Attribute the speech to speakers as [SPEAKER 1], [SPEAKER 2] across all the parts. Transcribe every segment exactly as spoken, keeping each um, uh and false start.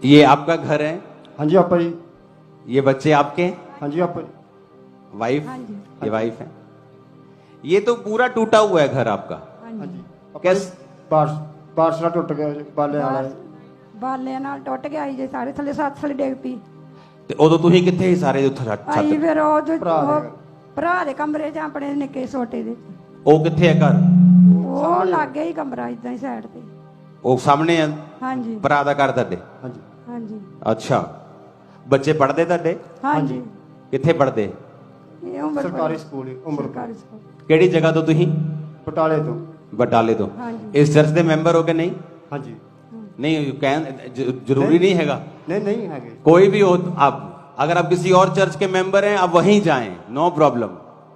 [SPEAKER 1] ये आपका घर है?
[SPEAKER 2] हाँ जी आपा जी।
[SPEAKER 1] ये बच्चे आपके?
[SPEAKER 2] हाँ जी आपा जी।
[SPEAKER 1] वाइफ?
[SPEAKER 3] हाँ जी।
[SPEAKER 1] ये वाइफ है। ये तो पूरा टूटा हुआ है घर आपका।
[SPEAKER 3] हाँ
[SPEAKER 2] हाँ
[SPEAKER 3] जी
[SPEAKER 2] जी आपा जी,
[SPEAKER 1] कैस
[SPEAKER 2] बारिश बारिश ਨਾਲ ਟੁੱਟ ਗਿਆ ਜੀ, ਬਾਲੇ ਵਾਲਾ
[SPEAKER 3] ਬਾਰ- ਬਾਲਿਆਂ ਨਾਲ ਟੁੱਟ ਗਿਆ ਸੀ ਜੇ ਸਾਰੇ ਥੱਲੇ ਸੱਤ ਥੱਲੇ ਡਿੱਗ ਪਈ
[SPEAKER 1] ਤੇ ਉਦੋਂ ਤੁਸੀਂ ਕਿੱਥੇ ਸੀ ਸਾਰੇ ਉੱਥੇ ਛੱਤ
[SPEAKER 3] ਆਈ
[SPEAKER 1] ਛੱਤ?
[SPEAKER 3] ਫਿਰ ਉਹ ਜੋ-
[SPEAKER 2] ਭਰਾ ਦੇ
[SPEAKER 3] ਉਹ
[SPEAKER 2] ਘਰ।
[SPEAKER 3] ਭਰਾ ਦੇ ਕਮਰੇ 'ਚ ਆਪਣੇ ਨਿੱਕੇ ਛੋਟੇ ਦੇ
[SPEAKER 1] ਉਹ ਕਿੱਥੇ ਹੈ ਘਰ?
[SPEAKER 3] ਉਹ ਲੱਗ ਗਿਆ ਹੀ ਕਮਰਾ ਇਦਾਂ ਹੀ ਸਾਈਡ ਤੇ।
[SPEAKER 1] ਉਹ ਸਾਹਮਣੇ ਹੈ
[SPEAKER 3] ਹਾਂਜੀ
[SPEAKER 1] ਭਰਾ ਦਾ ਘਰ ਤੁਹਾਡੇ?
[SPEAKER 2] हाँ जी
[SPEAKER 3] ਹਾਂਜੀ
[SPEAKER 1] ਅੱਛਾ, ਬੱਚੇ ਪੜ੍ਹਦੇ ਤੁਹਾਡੇ?
[SPEAKER 3] ਹਾਂਜੀ
[SPEAKER 1] ਕਿੱਥੇ ਪੜ੍ਹਦੇ?
[SPEAKER 3] ਇਹ ਉਮਰ
[SPEAKER 2] ਸਰਕਾਰੀ ਸਕੂਲ ਹੀ ਉਮਰ
[SPEAKER 3] ਸਰਕਾਰੀ ਸਕੂਲ
[SPEAKER 1] ਕਿਹੜੀ ਜਗ੍ਹਾ ਤੋਂ ਤੁਸੀਂ?
[SPEAKER 2] ਬਟਾਲੇ ਤੋਂ।
[SPEAKER 1] ਬਟਾਲੇ ਤੋਂ।
[SPEAKER 3] ਹਾਂਜੀ
[SPEAKER 1] ਇਸ ਚਰਚ ਦੇ ਮੈਂਬਰ ਹੋ ਕਿ ਨਹੀਂ?
[SPEAKER 2] हाँ जी
[SPEAKER 1] नहीं ਕਹਿਣ ਜ- जरूरी नहीं हैगा।
[SPEAKER 2] नहीं नहीं है गे।
[SPEAKER 1] कोई भी हो आप, अगर आप किसी और चर्च के मेंबर हैं आप वहीं जाएं, नो प्रॉब्लम।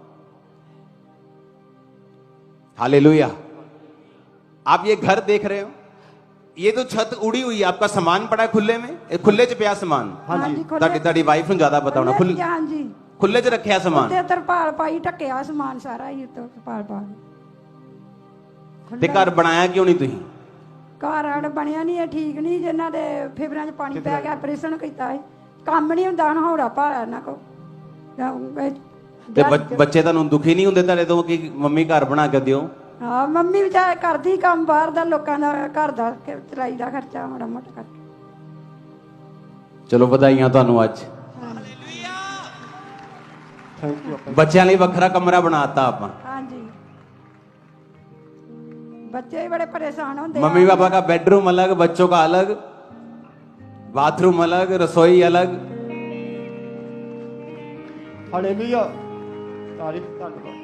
[SPEAKER 1] हालेलुया। आप ये घर देख रहे हो, ये तो छत उड़ी हुई है, आपका सामान पड़ा है खुले में, ये खुले च पिया सामान।
[SPEAKER 2] हाँ जी
[SPEAKER 1] ਤੁਹਾਡੀ ਤੁਹਾਡੀ ਵਾਈਫ ਨੂੰ ਜ਼ਿਆਦਾ ਪਤਾ ਹੋਣਾ। ਖੁੱਲੇ
[SPEAKER 3] ਹਾਂਜੀ
[SPEAKER 1] ਖੁੱਲੇ ਚ ਰੱਖਿਆ ਸਮਾਨ
[SPEAKER 3] ਉੱਤੇ ਤਰਪਾਲ ਪਾਈ ਢੱਕਿਆ ਸਮਾਨ ਸਾਰਾ ਹੀ ਉੱਤੇ ਤਰਪਾਲ ਪਾ ਕੇ।
[SPEAKER 1] ਤੇ ਘਰ ਬਣਾਇਆ ਕਿਉਂ ਨਹੀਂ ਤੁਸੀਂ?
[SPEAKER 3] ਘਰ ਆੜ ਬਣਿਆ ਨਹੀਂ ਇਹ ਠੀਕ ਨਹੀਂ ਜਿਨ੍ਹਾਂ ਦੇ ਫੇਫੜਿਆਂ 'ਚ ਪਾਣੀ ਪੈ ਗਿਆ ਆਪਰੇਸ਼ਨ ਕੀਤਾ ਹੈ ਕੰਮ ਨਹੀਂ ਹੁੰਦਾ ਹੁਣ ਹੌੜਾ ਭਾਰਾ ਇਹਨਾਂ ਕੋ
[SPEAKER 1] ਤੇ ਬੱਚ- ਬੱਚੇ ਤੁਹਾਨੂੰ ਦੁਖੀ ਨਹੀਂ ਹੁੰਦੇ ਤੁਹਾਡੇ ਤੋਂ ਕਿ ਮੰਮੀ ਘਰ ਬਣਾ ਕੇ ਦਿਓ?
[SPEAKER 3] ਹਾਂ ਮੰਮੀ ਵਿਚਾਰ ਕਰਦੀ ਕੰਮ ਬਾਹਰ ਦਾ ਲੋਕਾਂ ਦਾ ਘਰ ਦਾ ਕਿ ਚਲਾਈ ਦਾ ਖਰਚਾ ਮਾੜਾ ਮੋਟਾ ਕਰਕੇ।
[SPEAKER 1] ਚਲੋ ਵਧਾਈਆਂ ਤੁਹਾਨੂੰ ਅੱਜ।
[SPEAKER 2] थैंक यू आपा जी।
[SPEAKER 1] ਬੱਚਿਆਂ ਲਈ ਵੱਖਰਾ ਕਮਰਾ ਬਣਾਤਾ ਆਪਾਂ।
[SPEAKER 3] ਹਾਂਜੀ बच्चे भी बड़े परेशान होते
[SPEAKER 1] मम्मी पापा का बेडरूम अलग, बच्चों का अलग, बाथरूम अलग, रसोई अलग।
[SPEAKER 2] हालेलुया तारीफ धन्यवाद।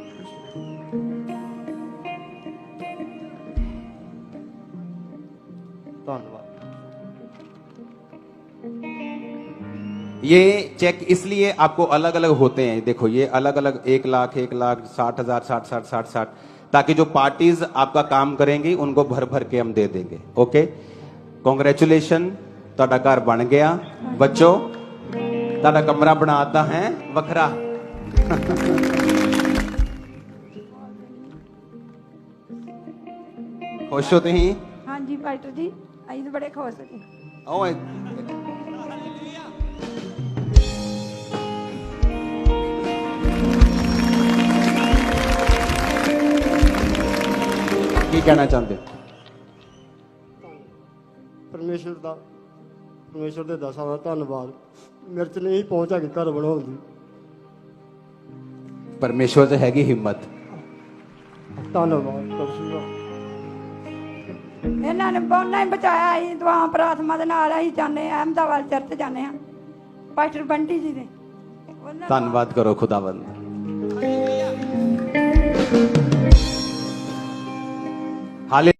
[SPEAKER 2] धन्यवाद।
[SPEAKER 1] ये चेक इसलिए आपको अलग अलग होते हैं, देखो ये अलग अलग, एक लाख एक लाख साठ हजार साठ साठ साठ साठ, ताकि जो पार्टीज आपका काम करेंगी उनको भर भर के हम दे देंगे। ओके, कॉन्ग्रेचुलेशन, ਤੁਹਾਡਾ ਘਰ ਬਣ ਗਿਆ। बच्चों ਤੁਹਾਡਾ कमरा बनाता है वखरा। खुश हो तुम?
[SPEAKER 3] हाँ जी पास्टर जी अं तो बड़े खुश जी।
[SPEAKER 1] ओए की कहना चाहते हो?
[SPEAKER 2] परमेश्वर ਦਾ परमेश्वर ਦੇ ਦਸਾਂ ਦਾ ਧੰਨਵਾਦ। ਮੇਰੇ ਚ ਨਹੀਂ ਪਹੁੰਚ ਹੈਗੀ ਘਰ ਬਣਾਉਣ ਦੀ।
[SPEAKER 1] परमेश्वर से हैगी हिम्मत।
[SPEAKER 2] ਧੰਨਵਾਦ ਕਰੂੰਗਾ।
[SPEAKER 3] ਇਹਨਾਂ ਨੇ ਬਹੁਤ ਹੀ ਬਚਾਇਆ ਅਸੀਂ ਦੁਆ ਪ੍ਰਾਰਥਨਾ ਦੇ ਨਾਲ ਅਸੀਂ ਜਾਂਦੇ ਹਾਂ ਅਹਿਮਦਾਬਾਦ ਚਰਚ ਜਾਂਦੇ ਹਾਂ ਪਾਸਟਰ ਬੰਟੀ ਜੀ ਦੇ। ਉਹਨਾਂ ਦਾ-
[SPEAKER 1] धन्यवाद करो खुदावंद। हाले